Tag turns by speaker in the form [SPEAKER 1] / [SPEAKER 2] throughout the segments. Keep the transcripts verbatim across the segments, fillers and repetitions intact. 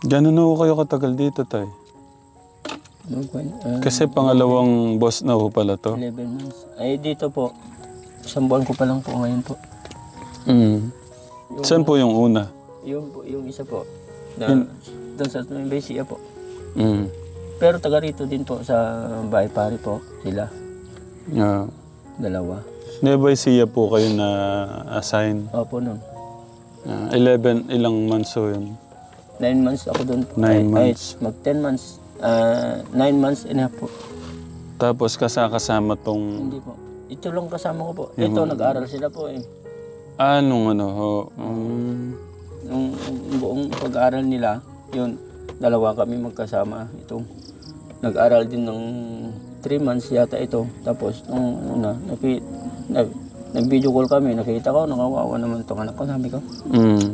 [SPEAKER 1] Gano'n na ho kayo katagal dito, tay?
[SPEAKER 2] Ano po, ah,
[SPEAKER 1] Kasi pangalawang boss na ho pala to.
[SPEAKER 2] eleven months. Ay, dito po, isang buwan ko pa lang po ngayon po.
[SPEAKER 1] Mm.
[SPEAKER 2] Yung,
[SPEAKER 1] Saan po yung una?
[SPEAKER 2] yung, po- yung isa po, na
[SPEAKER 1] Yun.
[SPEAKER 2] doon sa Nueva po.
[SPEAKER 1] Mm.
[SPEAKER 2] Pero taga rito din po sa bahay pare po, sila,
[SPEAKER 1] Yeah.
[SPEAKER 2] dalawa.
[SPEAKER 1] Nueva Ecija po kayo na assign.
[SPEAKER 2] Opo nun.
[SPEAKER 1] Ah, eleven, ilang months ho yun?
[SPEAKER 2] Nine months ako doon po.
[SPEAKER 1] Nine
[SPEAKER 2] Ay,
[SPEAKER 1] months.
[SPEAKER 2] Ay, mag ten months. Ah, nine months and a half po.
[SPEAKER 1] Tapos kasakasama tong...
[SPEAKER 2] Hindi po. Ito lang kasama ko po. Ito, nag-aaral sila po eh.
[SPEAKER 1] Ah, nung ano ho? Um,
[SPEAKER 2] Nung buong pag-aaral nila, yun, dalawa kami magkasama. Ito, nag-aral din ng three months yata ito. Tapos, nung una, naki, nag, nag-video call kami, nakita ko, nakawawa naman itong anak ko, sabi ko.
[SPEAKER 1] mm.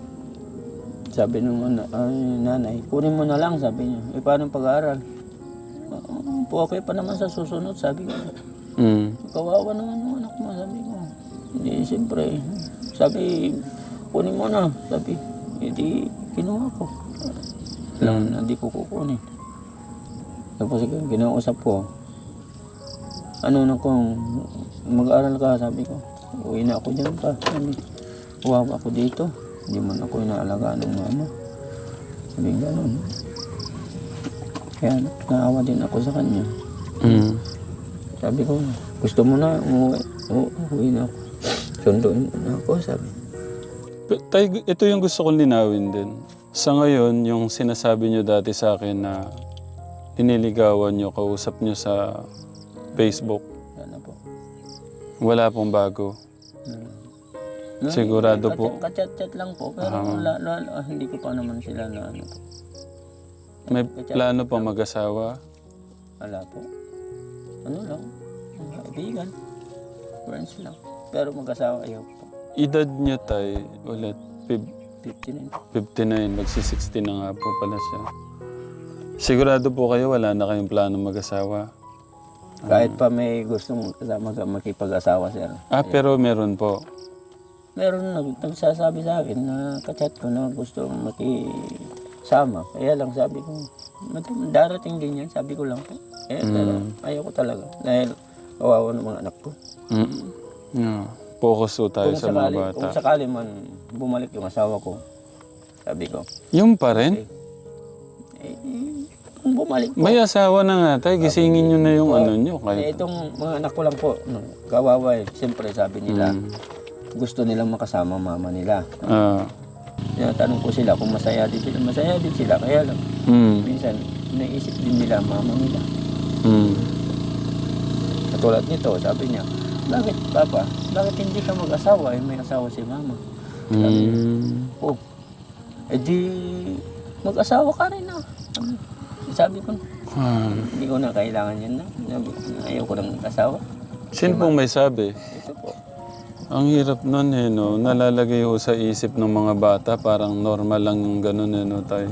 [SPEAKER 2] Sabi nung ana- ay, nanay, kunin mo na lang, sabi niya. Eh, paano pag-aaral? Uh, okay pa naman sa susunod, sabi ko.
[SPEAKER 1] Mm.
[SPEAKER 2] Kawawa naman yung anak mo, sabi ko. Hindi, siyempre, sabi, kunin mo na, sabi. Hindi, kinuha ko. Alam na, hindi ko kukunin. Tapos kinausap ko, ano na kung mag-aaral ka, sabi ko. Uwi na ako dyan pa, sabi. Kawawa ako dito. Hindi man ako inaalagaan ng mama. Sabi gano'n. Kaya naawa din ako sa kanya.
[SPEAKER 1] Mm.
[SPEAKER 2] Sabi ko, gusto mo na umuwi? Oo, uwi na ako. Sunduin mo na ako, sabi.
[SPEAKER 1] Pe- Tay, ito yung gusto kong linawin din. Sa ngayon, yung sinasabi nyo dati sa akin na iniligawan nyo, kausap nyo sa Facebook,
[SPEAKER 2] Yan na po.
[SPEAKER 1] wala pong bago.
[SPEAKER 2] Hmm.
[SPEAKER 1] Sigurado
[SPEAKER 2] Kachat-
[SPEAKER 1] po.
[SPEAKER 2] Kachat-chat lang po, pero la, la, la, hindi ko pa naman sila na ano po.
[SPEAKER 1] May plano pa mag-asawa?
[SPEAKER 2] Wala po. Ano lang, kaibigan. Friends lang. Pero mag-asawa ayaw po.
[SPEAKER 1] Edad nyo, Tay, ulit, fif-
[SPEAKER 2] fifty-nine.
[SPEAKER 1] fifty-nine, magsi-sixty na nga po pala siya. Sigurado po kayo, wala na kayong plano mag-asawa?
[SPEAKER 2] Kahit pa may gustong kasama makipag-asawa sir.
[SPEAKER 1] Ah, pero meron po.
[SPEAKER 2] Meron nag, nagsasabi sa akin na kachat ko na gusto makisama. Kaya lang sabi ko, "Madam, darating din yan, sabi ko lang po. Eh, pero ayaw ko talaga. Dahil kawawa ng mga anak ko.
[SPEAKER 1] Mm. Yeah. Focus po tayo
[SPEAKER 2] Kung
[SPEAKER 1] sa mga
[SPEAKER 2] sakali,
[SPEAKER 1] bata.
[SPEAKER 2] kung sakali man bumalik yung asawa ko, sabi ko,
[SPEAKER 1] Yung pa rin?
[SPEAKER 2] eh, kung bumalik po.
[SPEAKER 1] May asawa na nga, Tay. Gisingin nyo na yung ano nyo.
[SPEAKER 2] Eh,
[SPEAKER 1] Kahit...
[SPEAKER 2] itong mga anak ko lang po, no, kawawa eh. Siyempre sabi nila,
[SPEAKER 1] Mm.
[SPEAKER 2] gusto nilang makasama mama nila.
[SPEAKER 1] Ah.
[SPEAKER 2] Tinatanong ko sila kung masaya din sila. Masaya din sila, kaya lang.
[SPEAKER 1] Mm.
[SPEAKER 2] Minsan, naisip din nila mama nila.
[SPEAKER 1] Mm.
[SPEAKER 2] Katulad nito, sabi niya, bakit papa, bakit hindi ka mag-asawa? Eh, may asawa si mama.
[SPEAKER 1] Mm.
[SPEAKER 2] Oh, eh di, mag-asawa ka rin na. Sabi ko,
[SPEAKER 1] Ah.
[SPEAKER 2] hindi ko na kailangan yan na. Sabi ko, ayaw ko ng asawa.
[SPEAKER 1] Sino pong may sabi?
[SPEAKER 2] Ito po.
[SPEAKER 1] Ang hirap nun eh, no? Nalalagay ho sa isip ng mga bata, parang normal lang yung ganun eh, no, Tay?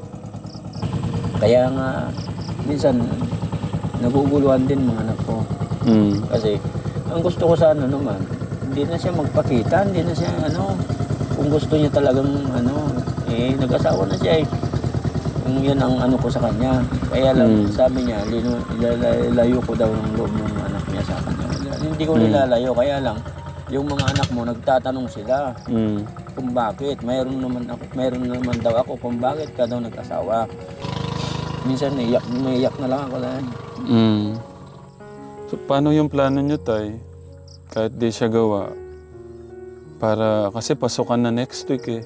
[SPEAKER 2] Kaya nga, minsan, naguguluhan din mga anak ko.
[SPEAKER 1] Mm.
[SPEAKER 2] Kasi, ang gusto ko sa ano naman, hindi na siya magpakita, hindi na siya ano, kung gusto niya talagang ano, eh, nag-asawa na siya eh. Kung yan ang ano ko sa kanya. Kaya lang,
[SPEAKER 1] Mm.
[SPEAKER 2] sabi niya, lino, ilalayo ko daw ng loob ng anak niya sa kanya. Hindi ko
[SPEAKER 1] Mm.
[SPEAKER 2] nilalayo, kaya lang, yung mga anak mo, nagtatanong sila
[SPEAKER 1] Mm.
[SPEAKER 2] kung bakit. Mayroon naman ako, mayroon naman daw ako kung bakit ka daw nag-asawa. Minsan naiyak, naiyak na lang ako dahil.
[SPEAKER 1] Mm. So, paano yung plano nyo, Tay? Kahit di siya gawa. Para, kasi pasukan na next week eh.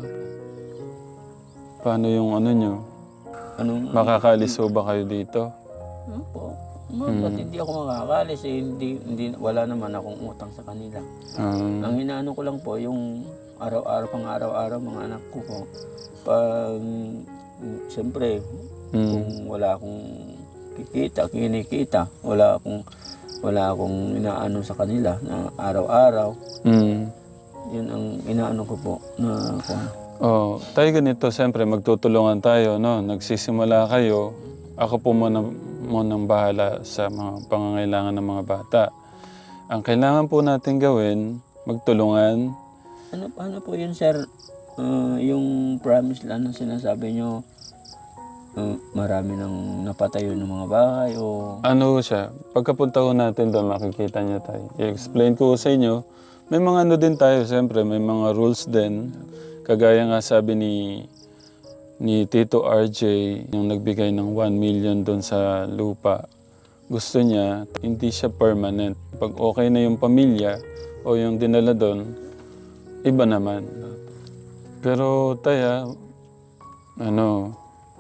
[SPEAKER 1] Paano yung ano nyo?
[SPEAKER 2] Anong,
[SPEAKER 1] Makakalis ho ba kayo dito?
[SPEAKER 2] ano po? Ma, ba't hindi ako makakalis eh, hindi, hindi, wala naman akong utang sa kanila.
[SPEAKER 1] Um,
[SPEAKER 2] Ang inaano ko lang po, yung araw-araw, pang araw-araw, mga anak ko po, pag, mm, siyempre,
[SPEAKER 1] mm.
[SPEAKER 2] kung wala akong kikita, kinikita, wala akong, wala akong inaano sa kanila na araw-araw,
[SPEAKER 1] Mm.
[SPEAKER 2] yun ang inaano ko po na kung,
[SPEAKER 1] Oh, tayo ganito, siyempre magtutulungan tayo, no? Nagsisimula kayo, ako po muna, munang bahala sa mga pangangailangan ng mga bata. Ang kailangan po natin gawin, magtulungan.
[SPEAKER 2] ano, ano po yun sir, ah, yung promise lang na sinasabi nyo, ah, marami nang napatayo ng mga bahay o...
[SPEAKER 1] Ano siya, pagkapunta ko natin doon, makikita niyo tayo. I-explain ko sa inyo, may mga ano din tayo, siyempre, may mga rules din. Kagaya nga sabi ni ni Tito R J, yung nagbigay ng one million doon sa lupa. Gusto niya, hindi siya permanent. Pag okay na yung pamilya o yung dinala doon, iba naman. Pero taya, ano,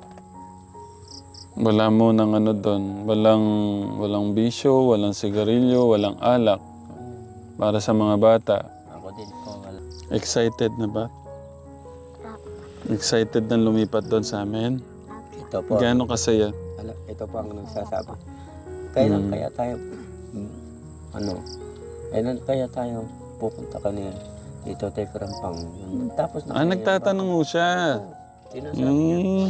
[SPEAKER 1] wala mo ng ano doon. Walang, walang bisyo, walang sigarilyo, walang alak. Para sa mga bata.
[SPEAKER 2] Ako din po, wala.
[SPEAKER 1] Excited na ba? Excited na lumipat doon sa amin?
[SPEAKER 2] Ito po,
[SPEAKER 1] Gaano kasaya?
[SPEAKER 2] ala, ito po ang nagsasabi. Kailan
[SPEAKER 1] Mm.
[SPEAKER 2] kaya tayo, mm, ano, kailan kaya tayo pupunta kanina dito tayo Karampang. Tapos na
[SPEAKER 1] Ah, nagtatanong mo siya.
[SPEAKER 2] Sinasabi niya,
[SPEAKER 1] Mm.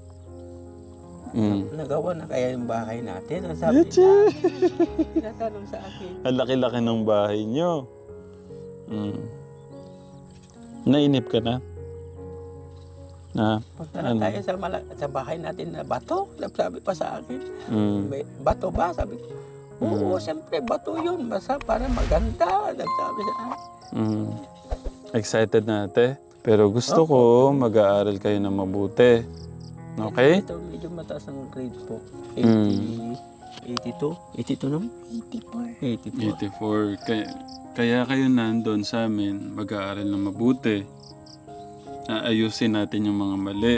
[SPEAKER 1] Mm.
[SPEAKER 2] nagawa na kaya yung bahay natin. Ang sabi
[SPEAKER 1] Eche.
[SPEAKER 2] niya, tinatanong sa akin.
[SPEAKER 1] Ang laki-laki ng bahay nyo. Mm. Nainip ka na? Na?
[SPEAKER 2] Punta na
[SPEAKER 1] Ano?
[SPEAKER 2] tayo sa, mala- sa bahay natin na bato. Sabi pa sa akin,
[SPEAKER 1] Mm.
[SPEAKER 2] may bato ba? Sabi ko, oo, siyempre bato yun. Basta para maganda. Nagsabi sa akin.
[SPEAKER 1] Mm. Excited na ate? Pero gusto ko mag-aaral kayo na mabuti. Okay?
[SPEAKER 2] Ito medyo mataas ang grade po.
[SPEAKER 1] Mm.
[SPEAKER 2] eighty, eighty-two? eighty-two naman?
[SPEAKER 3] eighty-four.
[SPEAKER 2] eighty-four.
[SPEAKER 1] eighty-four. Kaya, kaya kayo nandun sa amin, mag-aaral na mabuti. Aayusin natin yung mga mali.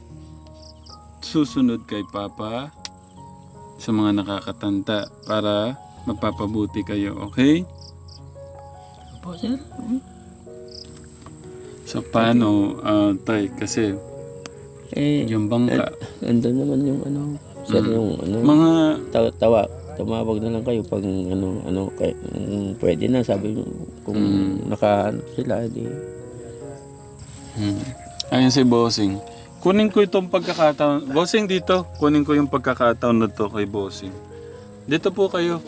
[SPEAKER 1] Susunod kay Papa sa mga nakakatanda para mapapabuti kayo, okay?
[SPEAKER 2] Po, sir? Hmm?
[SPEAKER 1] So paano, ah, tay, kasi
[SPEAKER 2] Eh,
[SPEAKER 1] yung bangka,
[SPEAKER 2] andun naman yung ano, sir,
[SPEAKER 1] Mm.
[SPEAKER 2] yung ano,
[SPEAKER 1] mga,
[SPEAKER 2] tawa, tawa, tumawag na lang kayo pag ano, ano, kay, kung pwede na, sabi nyo, kung
[SPEAKER 1] Mm.
[SPEAKER 2] naka, ano sila, di,
[SPEAKER 1] hmm. Ayun si Bossing. Kunin ko itong pagkakataon. Bossing dito, kunin ko yung pagkakataon na to kay Bossing. Dito po kayo.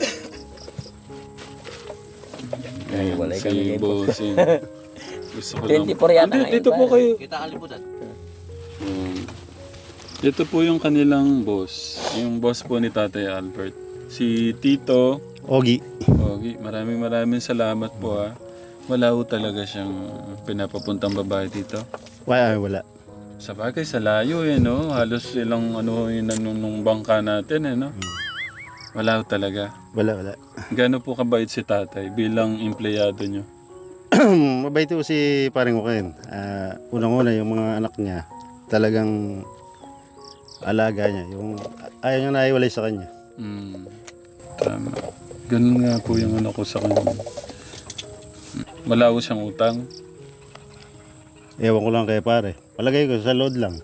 [SPEAKER 1] Ayan,
[SPEAKER 2] Walay
[SPEAKER 1] si
[SPEAKER 2] kami kayo po.
[SPEAKER 1] Bossing. Gusto ko lang.
[SPEAKER 2] twenty-four yata
[SPEAKER 1] Hindi,
[SPEAKER 2] ngayon,
[SPEAKER 1] dito po
[SPEAKER 2] pare.
[SPEAKER 1] kayo.
[SPEAKER 2] Kita kalimutan.
[SPEAKER 1] Hmm. Ito po yung kanilang boss. Yung boss po ni Tatay Albert. Si Tito
[SPEAKER 4] Ogi.
[SPEAKER 1] Ogi. Maraming maraming salamat po ha. Wala po talaga siyang pinapapuntang babae dito.
[SPEAKER 4] Wala, wala.
[SPEAKER 1] Sa bagay, sa layo eh, no? Halos ilang ano yun nung, nung bangka natin eh, no? Wala po talaga.
[SPEAKER 4] Wala, wala.
[SPEAKER 1] Gaano po kabait si tatay bilang empleyado nyo?
[SPEAKER 4] Mabait po si paring Uken. Ah, unang-una yung mga anak niya, talagang alaga niya. Yung ayaw niya na iwalay sa kanya.
[SPEAKER 1] Hmm. Tama. Ganun nga po yung ano ko sa kanya. Wala ko siyang utang.
[SPEAKER 4] Ewan ko lang kay pare. Palagay ko sa load lang.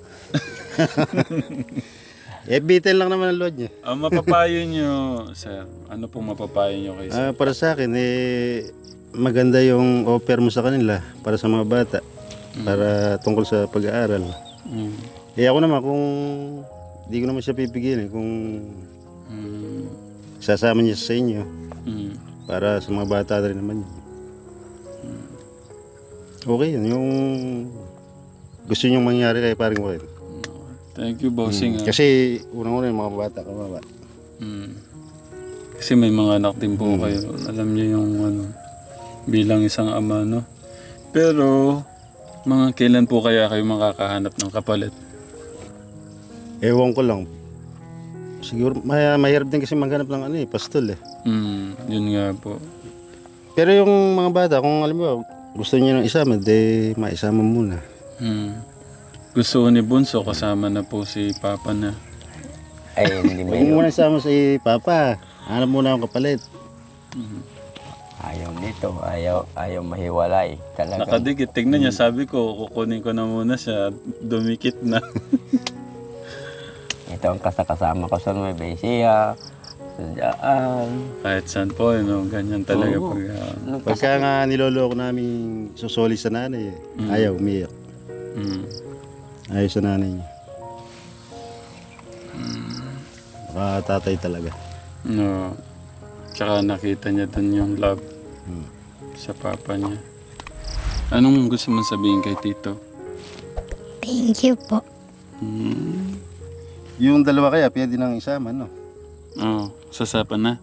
[SPEAKER 4] eh, bitin lang naman ang load niya.
[SPEAKER 1] Ang mapapayo nyo, sir, ano pong mapapayo nyo kay sir?
[SPEAKER 4] Ah, para sa akin, eh, maganda yung offer mo sa kanila para sa mga bata. Para tungkol sa pag-aaral.
[SPEAKER 1] Mm.
[SPEAKER 4] Eh ako naman, kung di ko naman siya pipigilin, kung
[SPEAKER 1] Mm.
[SPEAKER 4] sasama niya sa inyo,
[SPEAKER 1] Mm.
[SPEAKER 4] para sa mga bata rin naman yun. Okay yun, yung gusto niyong mangyari kay paring Uken.
[SPEAKER 1] Thank you, bossing. ah.
[SPEAKER 4] Kasi unang-una yung mga bata kawawa.
[SPEAKER 1] Mm. Kasi may mga anak din po kayo. Alam niyo yung ano, bilang isang ama, no? Pero, mga kailan po kaya kayo makakahanap ng kapalit?
[SPEAKER 4] Ewan ko lang. Siguro may, mahirap din kasi maghanap ng ano eh, pastol eh.
[SPEAKER 1] Mm, yun nga po.
[SPEAKER 4] Pero yung mga bata, kung alam mo, gusto niyo ng isama, de maisama muna.
[SPEAKER 1] Mm. Gusto ko ni Bunso, kasama na po si Papa na.
[SPEAKER 2] Ay, hindi
[SPEAKER 4] Huwag mo muna isama si Papa. Hanap muna akong kapalit.
[SPEAKER 1] Mm.
[SPEAKER 2] Ayaw nito, ayaw, ayaw mahiwalay. Talaga.
[SPEAKER 1] Nakadikit. Tignan niya, sabi ko, kukunin ko na muna siya. Dumikit na.
[SPEAKER 2] Ito ang kasakasama ko sa Nueva Ecija, sa daan.
[SPEAKER 1] Kahit saan po, you know, ganyan talaga.
[SPEAKER 2] Oo.
[SPEAKER 1] Pag, ah,
[SPEAKER 4] Pagka nga niloloko namin susoli sa nanay, eh,
[SPEAKER 1] Mm.
[SPEAKER 4] ayaw, umiyak.
[SPEAKER 1] mm.
[SPEAKER 4] Ayaw sa nanay niya. Baka tatay talaga.
[SPEAKER 1] No. Tsaka nakita niya dun yung love
[SPEAKER 4] Hmm.
[SPEAKER 1] sa papa niya. Anong gusto mong sabihin kay Tito?
[SPEAKER 3] Thank you po.
[SPEAKER 1] Hmm.
[SPEAKER 4] Yung dalawa kaya, pwede nang isama, no?
[SPEAKER 1] Oh, sasapan na.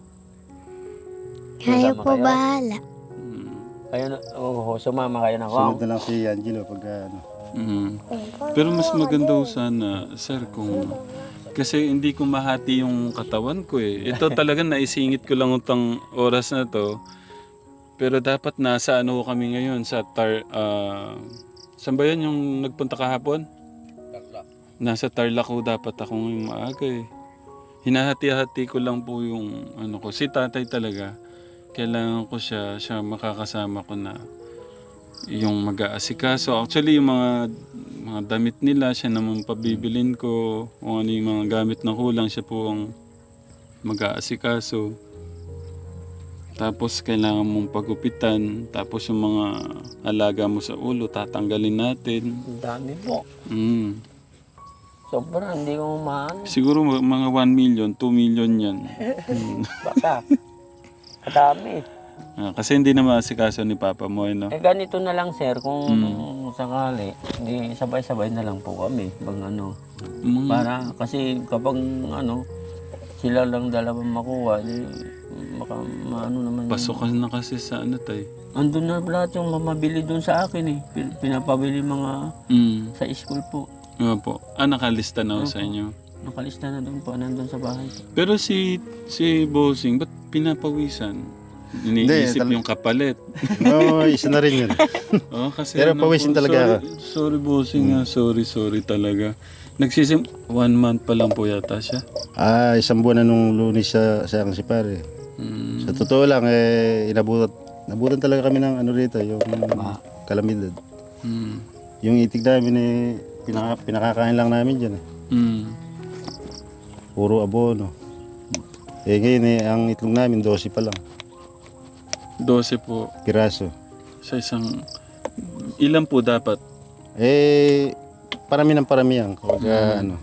[SPEAKER 3] Kayo
[SPEAKER 2] Kasama
[SPEAKER 3] po
[SPEAKER 2] kayo?
[SPEAKER 3] bahala.
[SPEAKER 1] Hmm.
[SPEAKER 2] Kayo na, oo, sumama kayo na
[SPEAKER 4] Sunod
[SPEAKER 2] wow.
[SPEAKER 4] na lang si Angelo pag ano.
[SPEAKER 1] Mm. Pero mas maganda ho sana, sir, kung... Kasi hindi ko mahati yung katawan ko eh. Ito talaga naisingit ko lang utang oras na to. Pero dapat nasa ano kami ngayon sa Tar... ah, saan ba yan yung nagpunta kahapon? Nasa Tarlac ko dapat ako ngayong maaga eh. Hinahati-hati ko lang po yung ano ko. Si tatay talaga, kailangan ko siya, siya makakasama ko na yung mag-aasikaso. Actually, yung mga mga damit nila, siya naman pabibilin ko. Kung ano yung mga gamit na kulang, siya po ang mag-aasikaso. Tapos, kailangan mong pagupitan. Tapos, yung mga alaga mo sa ulo, tatanggalin natin.
[SPEAKER 2] Ang dami po.
[SPEAKER 1] Mm.
[SPEAKER 2] Sobra, hindi ko maano.
[SPEAKER 1] Siguro ma- mga one million, two million yan.
[SPEAKER 2] Baka. Kadami.
[SPEAKER 1] Ah, kasi hindi na maasikaso ni Papa mo, eh, no?
[SPEAKER 2] Eh ganito na lang sir, kung sakali, hindi sabay-sabay na lang po kami. Bang ano.
[SPEAKER 1] Mm.
[SPEAKER 2] Para kasi kapag ano, sila lang dalawang makuha, di baka maano naman. yung-
[SPEAKER 1] Pasokan na kasi sa ano, tay.
[SPEAKER 2] Andun na lahat yung mamabili dun sa akin eh. Pin- Pinapabili mga
[SPEAKER 1] Mm.
[SPEAKER 2] sa school po.
[SPEAKER 1] Nga po. Ah, nakalista na ho sa inyo.
[SPEAKER 2] Nakalista na doon po, nandun sa bahay.
[SPEAKER 1] Pero si si Bossing, ba't pinapawisan? Iniisip
[SPEAKER 4] tal-
[SPEAKER 1] yung kapalit.
[SPEAKER 4] Oo, isa na rin yun.
[SPEAKER 1] Oh, kasi
[SPEAKER 4] Pero
[SPEAKER 1] ano
[SPEAKER 4] pawisin
[SPEAKER 1] po,
[SPEAKER 4] talaga
[SPEAKER 1] sorry, sorry Bossing ah, sorry, sorry talaga. Nagsisim, one month pa lang po yata siya.
[SPEAKER 4] Ah, isang buwan na nung lunes sa, sa akin si pare.
[SPEAKER 1] Mm.
[SPEAKER 4] Sa totoo lang, eh, inabutan, nabutan talaga kami ng ano rito, yung kalamidad.
[SPEAKER 1] Mm.
[SPEAKER 4] Yung itig namin eh, pinaka, pinakakain lang namin dyan eh.
[SPEAKER 1] Mm.
[SPEAKER 4] Puro abono. Eh ngayon eh, ang itlog namin, dose pa lang.
[SPEAKER 1] Dose po
[SPEAKER 4] Piraso.
[SPEAKER 1] sa isang... Ilan po dapat?
[SPEAKER 4] Eh, parami ng parami yan. Kapag ah, ano.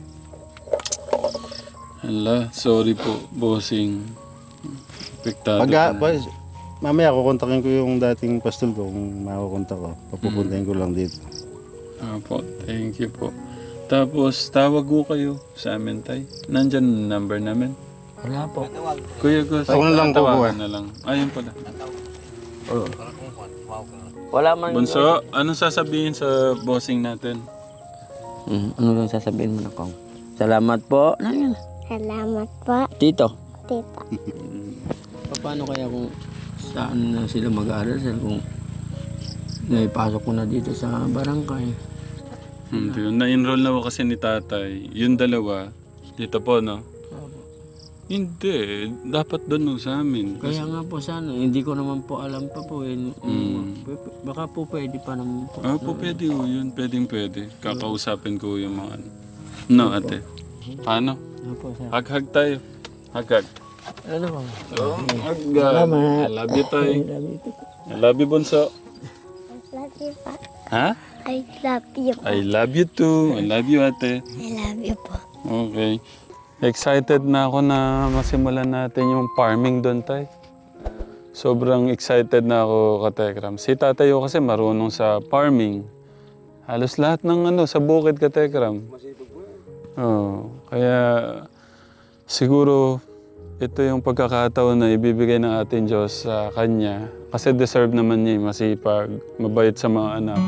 [SPEAKER 1] Hala, sorry po, Bossing. Apektado
[SPEAKER 4] Pag, ah,
[SPEAKER 1] po.
[SPEAKER 4] boys, mamaya kukontakin ko yung dating pastol ko kung makukontak ko. Papupuntahin ko lang dito.
[SPEAKER 1] Ah po, thank you po. Tapos, tawag ko kayo sa amin, tay. Nandyan ang number namin.
[SPEAKER 2] Wala po.
[SPEAKER 1] Kuya Gus,
[SPEAKER 4] Ako na lang,
[SPEAKER 1] tawagan
[SPEAKER 4] kukuha.
[SPEAKER 1] na lang. Ayun pala.
[SPEAKER 2] Wala man.
[SPEAKER 1] Bunso, anong sasabihin sa bossing natin?
[SPEAKER 2] Mm, ano lang sasabihin mo na kong? Salamat po. Ano yun?
[SPEAKER 3] Salamat po,
[SPEAKER 2] Tito.
[SPEAKER 3] tita.
[SPEAKER 2] Paano kaya kung saan na sila mag-aaral sir kung naipasok ko na dito sa barangay?
[SPEAKER 1] Hindi, na-enroll na ako kasi ni tatay. Yung dalawa, dito po, no? Hindi, dapat doon no, sa amin.
[SPEAKER 2] Kaya nga po sana, hindi ko naman po alam pa po eh.
[SPEAKER 1] Mm.
[SPEAKER 2] Baka po pwede pa naman po.
[SPEAKER 1] Ah, po, pwede ho yun. Pwedeng pwede. Kakausapin ko yung mga ano. No, ate. Paano?
[SPEAKER 2] Ano po sir?
[SPEAKER 1] Hag-hag tayo. Hag-hag.
[SPEAKER 2] Ano po?
[SPEAKER 1] Oh, hag-hag. I love you, tay. I love you, Bunso.
[SPEAKER 3] Love you po.
[SPEAKER 1] Ha?
[SPEAKER 3] I love you po.
[SPEAKER 1] I love you too. I love you, ate.
[SPEAKER 3] I love you po.
[SPEAKER 1] Okay. Excited na ako na masimulan natin yung farming doon, tay. Sobrang excited na ako, Katekram. Si tatay ko kasi marunong sa farming. Halos lahat ng ano, sa bukid, Katekram. Oh, kaya siguro ito yung pagkakataon na ibibigay ng ating Diyos sa kanya. Kasi deserve naman niya, masipag, mabait sa mga anak.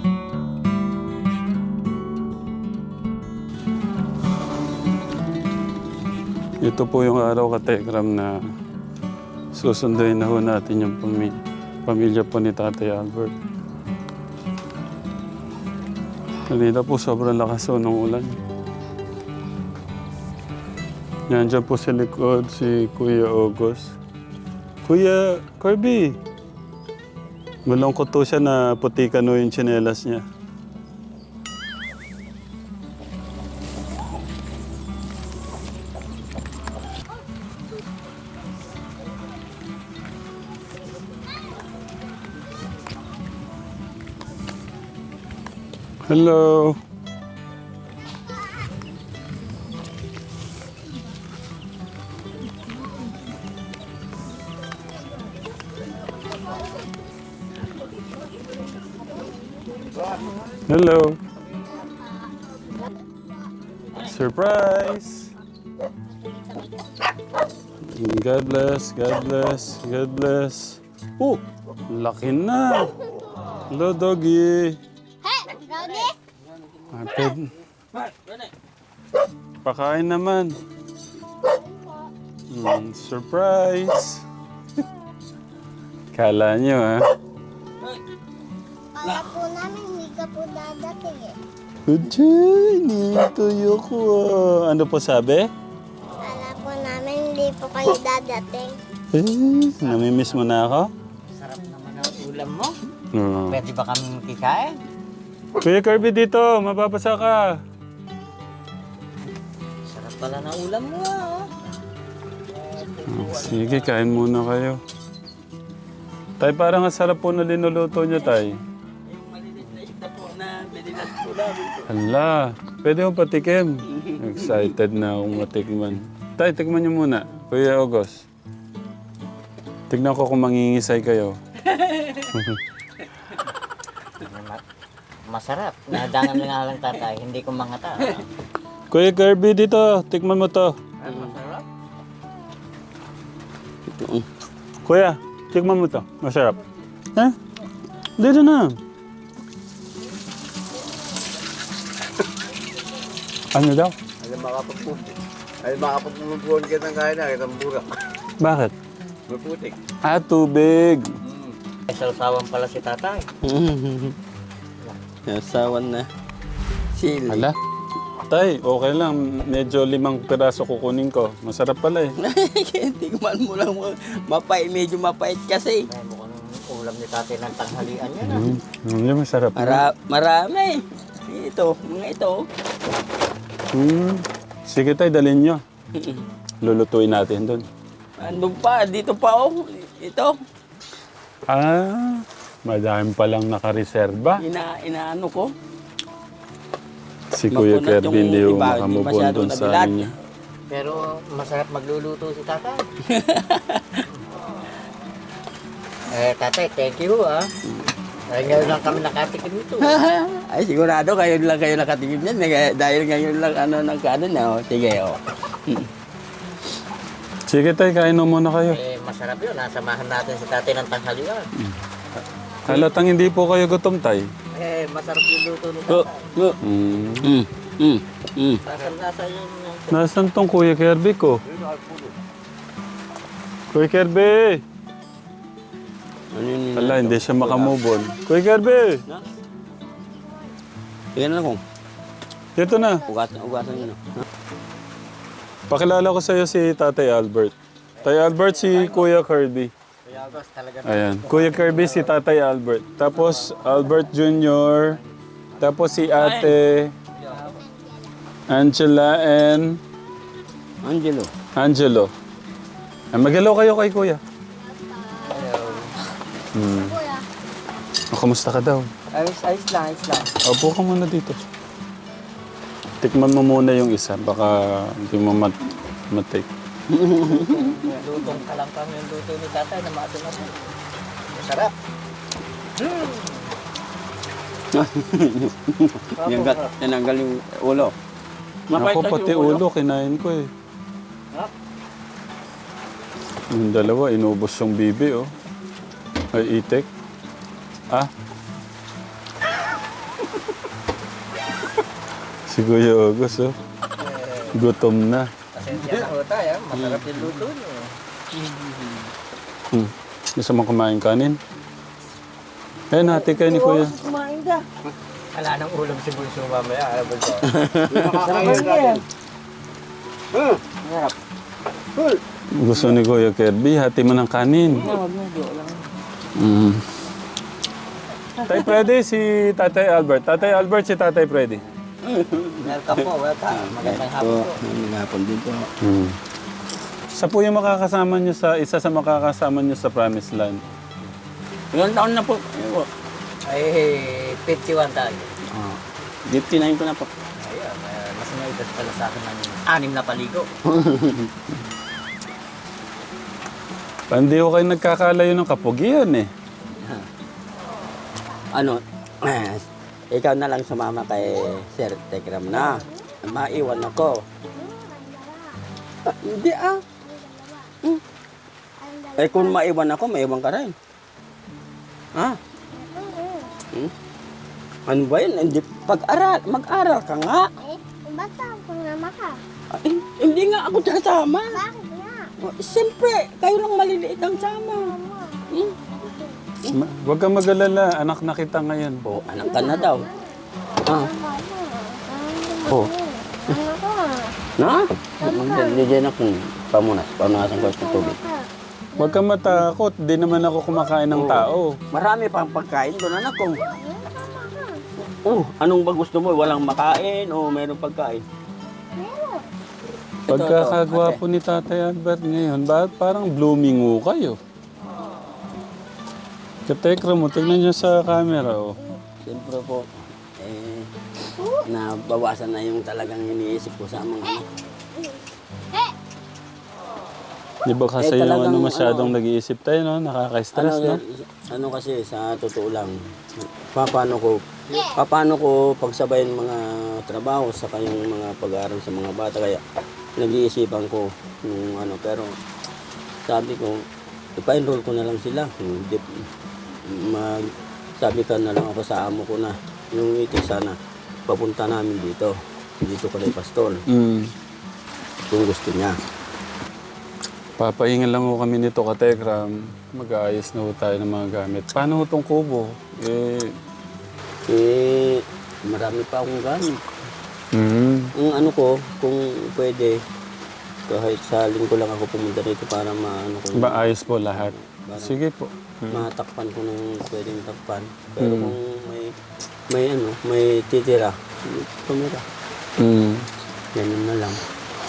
[SPEAKER 1] Ito po yung araw, Katekram, na susunduin na ho natin yung pamilya, pamilya po ni Tatay Albert. Kanina po sobrang lakas ho ng ulan. Nandiyan po sa likod si Kuya August. Kuya Kirby! Malungkot to siya na putikan ho yung tsinelas niya. Hello. Hello. Surprise! God bless, God bless, God bless. Oh, laki na. Hello, doggy.
[SPEAKER 3] Hey, Rodi!
[SPEAKER 1] Apid. Pakain naman. Mm, surprise. Kala nyo, ha?
[SPEAKER 3] Kala po namin hindi ka po dadating eh.
[SPEAKER 1] Uday, nituyo ko. ah. Ano po sabi?
[SPEAKER 3] Kala po namin hindi po kayo dadating.
[SPEAKER 1] Eh, namimiss mo na ako?
[SPEAKER 5] Sarap naman ang ulam mo.
[SPEAKER 1] Oo.
[SPEAKER 5] Pwede ba kami makikain?
[SPEAKER 1] Kuya Kirby dito, mababasa ka.
[SPEAKER 5] Sarap pala ng ulam mo ah.
[SPEAKER 1] Oh, sige, kain muna kayo. Tay, parang ang sarap po na linuluto niyo, Tay.
[SPEAKER 2] Yung maliliit na isda po na binilas po namin.
[SPEAKER 1] Hala, pwede mo patikim. Excited na akong matikman. Tay, tikman niyo muna. Kuya August. Tignan ko kung mangingisay kayo.
[SPEAKER 5] Masarap. Nadangan lang nga lang tatay. Hindi ko mangata.
[SPEAKER 1] Kuya Kirby dito, tikman mo to.
[SPEAKER 2] Ay, masarap.
[SPEAKER 1] Kuya, tikman mo to. Masarap. Eh? Dito na. Ano daw?
[SPEAKER 6] Alam makapagpupo. Ay makapagpupuluan ka ng kain na, kitang burak.
[SPEAKER 1] Bakit?
[SPEAKER 6] Maputik.
[SPEAKER 1] Ah, tubig.
[SPEAKER 5] Ay, salsawan pala si tatay.
[SPEAKER 2] Nasawan na. Sili.
[SPEAKER 1] Hala. Tay, okay lang. Medyo limang piraso kukunin ko. Masarap pala eh.
[SPEAKER 2] Tingnan mo lang. Mapait, medyo mapait kasi.
[SPEAKER 5] Ay, mukhang ulam ni tatay ng tanghalian yan ah.
[SPEAKER 1] Mm, mm, masarap.
[SPEAKER 2] Mara, marami. Ito, mga ito.
[SPEAKER 1] Mm. Sige tay, dalhin nyo. Lulutuin natin doon.
[SPEAKER 2] Ano pa? Dito pa oh. Ito.
[SPEAKER 1] Ah, madami palang nakareserba.
[SPEAKER 2] Ina, inaano ko.
[SPEAKER 1] Si Kuya
[SPEAKER 2] Makunat
[SPEAKER 1] Kirby
[SPEAKER 2] yung
[SPEAKER 1] hindi yung
[SPEAKER 2] iba, hindi
[SPEAKER 1] makamubon
[SPEAKER 2] masyado
[SPEAKER 1] doon sa
[SPEAKER 2] nabilad.
[SPEAKER 1] amin niya.
[SPEAKER 5] Pero masarap magluluto si tatay. eh, tatay, thank you ah. Dahil ngayon lang kami nakatikim nito.
[SPEAKER 2] Ay, sigurado kayo lang kayo nakatingin yan. Nag- Dahil ngayon lang ano nagkaano na. Oh. Sige, oh.
[SPEAKER 1] Sige tay, kain mo muna kayo.
[SPEAKER 5] Eh, masarap yun. Nasamahan natin si tatay ng tanghalian.
[SPEAKER 1] Halatang hindi po kayo gutom tay.
[SPEAKER 5] Eh, masarap yung luto ni
[SPEAKER 2] Oh,
[SPEAKER 5] tatay.
[SPEAKER 2] oh.
[SPEAKER 1] Mm.
[SPEAKER 2] Mm, mm, mm.
[SPEAKER 5] Lasa-lasa yun.
[SPEAKER 1] Nasaan tong Kuya Kirby ko? Kuya Kirby!
[SPEAKER 2] Ano yun?
[SPEAKER 1] Wala, hindi siya makamubon. Kuya Kirby!
[SPEAKER 2] Tingnan na kung.
[SPEAKER 1] Dito na.
[SPEAKER 2] Ugasan, ugasan yun. Oh.
[SPEAKER 1] Pakilala ko sa'yo si Tatay Albert. Tatay Albert, si Kuya Kirby.
[SPEAKER 5] Kuya August, talaga.
[SPEAKER 1] Ayan. Kuya Kirby, si Tatay Albert. Tapos Albert Junior Tapos si Ate Angela and
[SPEAKER 2] Angelo.
[SPEAKER 1] Angelo. Ah, mag-hello kayo kay Kuya. Hmm. Oh, kamusta ka daw?
[SPEAKER 5] Ayos, ayos lang, ayos lang.
[SPEAKER 1] Opo ka muna dito. Tikman mo muna yung isa. Baka hindi mo mat matik.
[SPEAKER 5] Lutong kalangkang yung luto ni tatay na maasin-asin. Masarap.
[SPEAKER 2] Tinanggal, tinanggal yung ulo.
[SPEAKER 1] Ako pati ulo, kinain ko eh. Yung dalawa, inubos yung bibi oh. Ay, itik. Ah. Si Kuya August oh. Gutom na.
[SPEAKER 5] Pasensya na ho tayo. Masarap yung luto niyo.
[SPEAKER 1] Hmm. Gusto mo kumain kanin? Eh, nati kayo ni Kuya.
[SPEAKER 5] Kumain ka. Wala nang ulam si Bunso mamaya. Alam mo ba?
[SPEAKER 6] Makakain natin.
[SPEAKER 5] Masarap.
[SPEAKER 1] Gusto ni Kuya Kirby, hati mo ng kanin. Mm. Tay Freddy, si Tatay Albert. Tatay Albert, si Tatay Freddy.
[SPEAKER 5] Welcome po, welcome. Magandang hapon po.
[SPEAKER 2] Hapon din po.
[SPEAKER 1] Hmm. Sa po yung makakasama nyo sa, isa sa makakasama nyo sa Promised Land.
[SPEAKER 2] Ilang taon na po? Ayun po.
[SPEAKER 5] Ay, fifty-one tayo.
[SPEAKER 2] Ah, fifty-nine ko na po.
[SPEAKER 5] Ayun, eh, mas may edad pala sa akin ng anim na paligo.
[SPEAKER 1] Hindi ko kayo nagkakalayo ng kapugian eh.
[SPEAKER 2] Ano, ikaw na lang sumama kay Sir Tekram na. maiwan ako. Ah, hindi ah. Hmm. Eh kung maiwan ako, maiwan ka rin. Ha? Hmm? Ano ba yun? Hindi, pag-aral, mag-aral ka nga.
[SPEAKER 3] Eh, basta ako nga ka.
[SPEAKER 2] Ah, eh, hindi nga ako sasama.
[SPEAKER 3] Bakit nga?
[SPEAKER 2] Oh, siyempre, kayo lang maliliit ang sama. Hmm?
[SPEAKER 1] Ma- Huwag kang mag-alala, anak na kita ngayon.
[SPEAKER 2] Oh, anak ka na daw. Ah. Oh.
[SPEAKER 3] Ano ko?
[SPEAKER 2] Na? Hindi dyan ako. Pamunas. Pamunasan ko sa tubig.
[SPEAKER 1] Huwag kang matakot, di naman ako kumakain ng
[SPEAKER 2] Oo.
[SPEAKER 1] tao.
[SPEAKER 2] Marami pang pagkain doon, anak ko. Oh, anong ba gusto mo? Walang makain o mayroong pagkain? Ito,
[SPEAKER 1] Pagkakagwapo
[SPEAKER 2] ito,
[SPEAKER 1] ni Tatay Albert ngayon, ba, parang blooming ho kayo. Katekra mo, tignan nyo sa camera, oh.
[SPEAKER 2] Siyempre po, eh, nabawasan na yung talagang iniisip ko sa mga anak.
[SPEAKER 1] Di ba kasi
[SPEAKER 2] Eh,
[SPEAKER 1] yung
[SPEAKER 2] talagang,
[SPEAKER 1] ano masyadong
[SPEAKER 2] ano,
[SPEAKER 1] nag-iisip tayo, no? Nakaka-stress,
[SPEAKER 2] Ano,
[SPEAKER 1] no?
[SPEAKER 2] ano kasi, sa totoo lang, paano ko, paano ko pagsabayin mga trabaho sa kayong mga pag-aaral sa mga bata, kaya nag-iisipan ko yung ano, pero sabi ko, ipa-enroll ko na lang sila. Hindi, mag, sabi ka na lang ako sa amo ko na, yung iti sana, papunta namin dito, dito ko na pastor,
[SPEAKER 1] Mm.
[SPEAKER 2] kung gusto niya.
[SPEAKER 1] Papahingan lang ho kami nito, Katekram. Mag-aayos na ho tayo ng mga gamit. Paano ho itong kubo? Eh,
[SPEAKER 2] Eh, marami pa akong gamit.
[SPEAKER 1] mm.
[SPEAKER 2] Ang ano ko, kung pwede, kahit sa linggo lang ako pumunta dito para maano ko,
[SPEAKER 1] Ba, ayos po lahat.
[SPEAKER 2] Parang-
[SPEAKER 1] Sige po. Mm.
[SPEAKER 2] matakpan ko ng pwedeng takpan. Pero
[SPEAKER 1] Hmm.
[SPEAKER 2] kung may, may ano, may titira, tumira.
[SPEAKER 1] Mm.
[SPEAKER 2] Ganun na lang.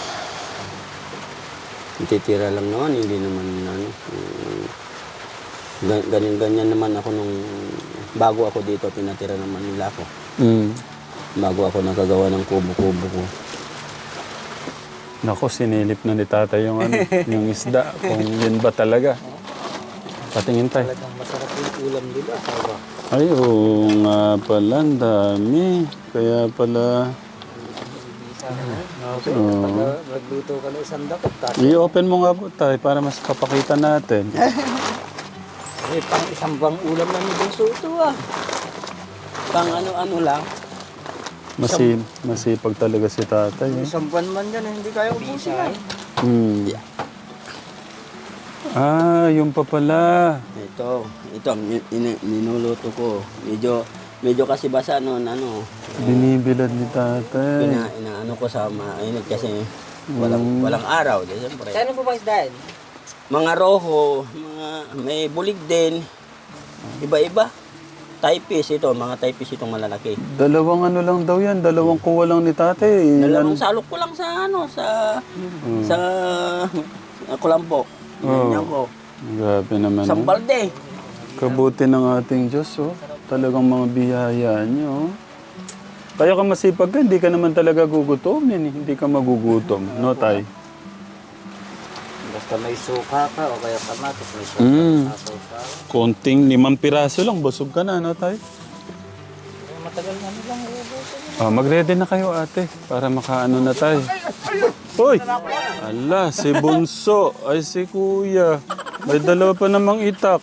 [SPEAKER 2] Titira lang naman, hindi naman ano. um, ga- Ganyan-ganyan naman ako nung bago ako dito, pinatira naman nila ako.
[SPEAKER 1] Mm.
[SPEAKER 2] Bago ako nakagawa ng kubo-kubo ko.
[SPEAKER 1] Nako, sinilip na ni Tatay yung, ano, yung isda. Kung yun ba talaga. Patingin tayo.
[SPEAKER 5] Talagang masarap yung ulam nila. Sabi.
[SPEAKER 1] Ay, oo nga pala. Ang dami. Kaya pala...
[SPEAKER 5] Okay.
[SPEAKER 1] Oo.
[SPEAKER 5] Pag uh, nagluto ka ng isang dakot, kasi
[SPEAKER 1] I-open mo nga po tayo para mas kapakita natin.
[SPEAKER 5] eh, pang isang bang ulam na ni Bunso ito ah.
[SPEAKER 2] Pang ano-ano lang,
[SPEAKER 1] Masi masipag talaga si Tatay. Eh.
[SPEAKER 5] Isang buwan man yan, eh, hindi kaya ubusin yan.
[SPEAKER 1] Hmm. Ah, yung pa pala.
[SPEAKER 2] ito, ito, ni- ni- ninuluto ko. Medyo, medyo kasi basa noon, ano,
[SPEAKER 1] Binibilad ni Tatay.
[SPEAKER 2] ina, inaano ko sa mainit kasi walang, walang araw, di siyempre.
[SPEAKER 5] Kaya po ba isdaan?
[SPEAKER 2] Mga roho, mga, may bulig din, iba-iba. Typist ito, mga typist itong malalaki.
[SPEAKER 1] Dalawang ano lang daw yan. Dalawang kuha lang ni Tatay.
[SPEAKER 2] Dalawang
[SPEAKER 1] Ilan-
[SPEAKER 2] salok ko lang sa ano, sa,
[SPEAKER 1] Hmm.
[SPEAKER 2] sa, kulampo.
[SPEAKER 1] Oh.
[SPEAKER 2] Ganyan ko.
[SPEAKER 1] Grabe naman.
[SPEAKER 2] Isang
[SPEAKER 1] oh.
[SPEAKER 2] balde.
[SPEAKER 1] Kabuti ng ating Diyos, oh. Talagang mga biyaya niyo, oh. Kaya ka masipag ka, hindi ka naman talaga gugutomin. eh. Hindi ka magugutom. No, Tay?
[SPEAKER 5] Basta may suka ka o kaya kamatis, may suka
[SPEAKER 1] Mm.
[SPEAKER 5] sa sausaw.
[SPEAKER 1] Konting limang piraso lang, busog ka na, no, Tay?
[SPEAKER 5] Eh, matagal na nilang ubusin.
[SPEAKER 1] Ah, mag-ready na kayo, ate, para makaano na tayo. Hoy! Ala, si Bunso. Ay, si Kuya. May dalawa pa namang itak.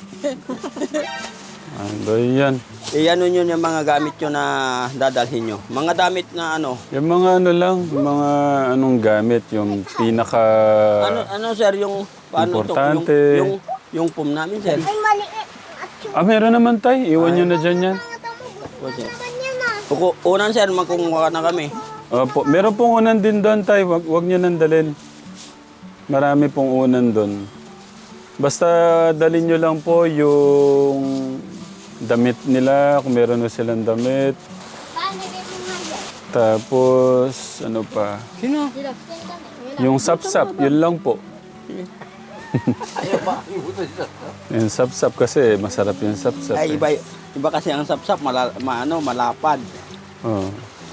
[SPEAKER 1] Ano yan?
[SPEAKER 2] Eh, ano yun yung mga gamit nyo na dadalhin nyo? Mga damit na ano?
[SPEAKER 1] Yung mga ano lang, mga anong gamit, yung pinaka...
[SPEAKER 2] Ano, ano sir, yung paano to?
[SPEAKER 1] Importante.
[SPEAKER 2] Yung, yung, yung pum namin, sir.
[SPEAKER 3] Ay, maliit. At yung
[SPEAKER 1] Ah, meron naman, Tay. Iwan nyo na dyan yan.
[SPEAKER 3] mga tamo,
[SPEAKER 2] O, sir.
[SPEAKER 3] ganyan na.
[SPEAKER 2] Uku, unan, sir, magkumuha na kami.
[SPEAKER 1] Opo, meron pong unan din doon, Tay. Wag, wag nyo nang dalhin. Marami pong unan doon. Basta dalhin nyo lang po yung damit nila, kung meron na silang damit.
[SPEAKER 3] Paano dito nga yan?
[SPEAKER 1] Tapos, ano pa?
[SPEAKER 2] Sino?
[SPEAKER 1] Yung sapsap, yun lang po. Yung sapsap kasi, masarap yung sapsap.
[SPEAKER 2] Ay,
[SPEAKER 1] eh.
[SPEAKER 2] iba, iba kasi ang sapsap, mala, ma, ano, malapad.
[SPEAKER 1] Oh.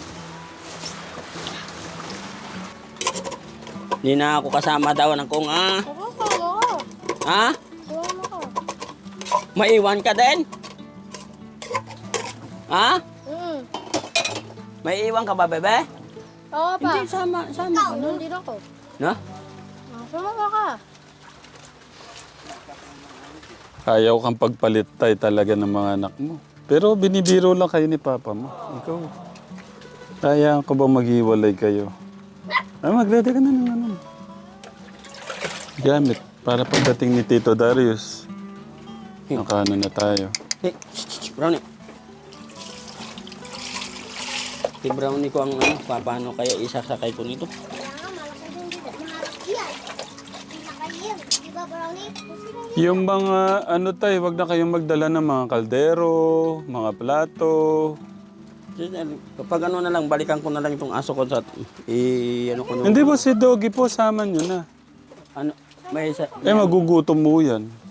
[SPEAKER 2] Hindi na ako kasama daw ng kung, ah.
[SPEAKER 3] Ako ko.
[SPEAKER 2] Ha?
[SPEAKER 3] Iwan mo ko.
[SPEAKER 2] Maiwan ka din? Ha?
[SPEAKER 3] Mm.
[SPEAKER 2] May iwan ka ba, bebe?
[SPEAKER 3] Oo pa.
[SPEAKER 2] Hindi, sama, sama ka na.
[SPEAKER 3] Hindi ako.
[SPEAKER 2] Na?
[SPEAKER 3] Sumama ka.
[SPEAKER 1] Ayaw kang pagpalit tay talaga ng mga anak mo. Pero binibiro lang kayo ni Papa mo. Ikaw. Kaya ko ba maghiwalay kayo? Ay, maglete ka na ng ano. Gamit. Para pagdating ni Tito Darius. Nakano na tayo.
[SPEAKER 2] Eh, shh, shh, Brownie. Si Brownie ko ang ano, paano kaya isasakay ko nito?
[SPEAKER 3] Kaya nga, malaki din dito. Malaki yan. Pinakayin. Di ba, Brownie? Kasi
[SPEAKER 1] Yung mga ano tayo, wag na kayong magdala ng mga kaldero, mga plato.
[SPEAKER 2] Kapag ano na lang, balikan ko na lang itong aso ko sa... I, ano ko nung...
[SPEAKER 1] Hindi ba si Doggy po, sama nyo na?
[SPEAKER 2] Ano, may isa...
[SPEAKER 1] Eh, magugutom mo yan.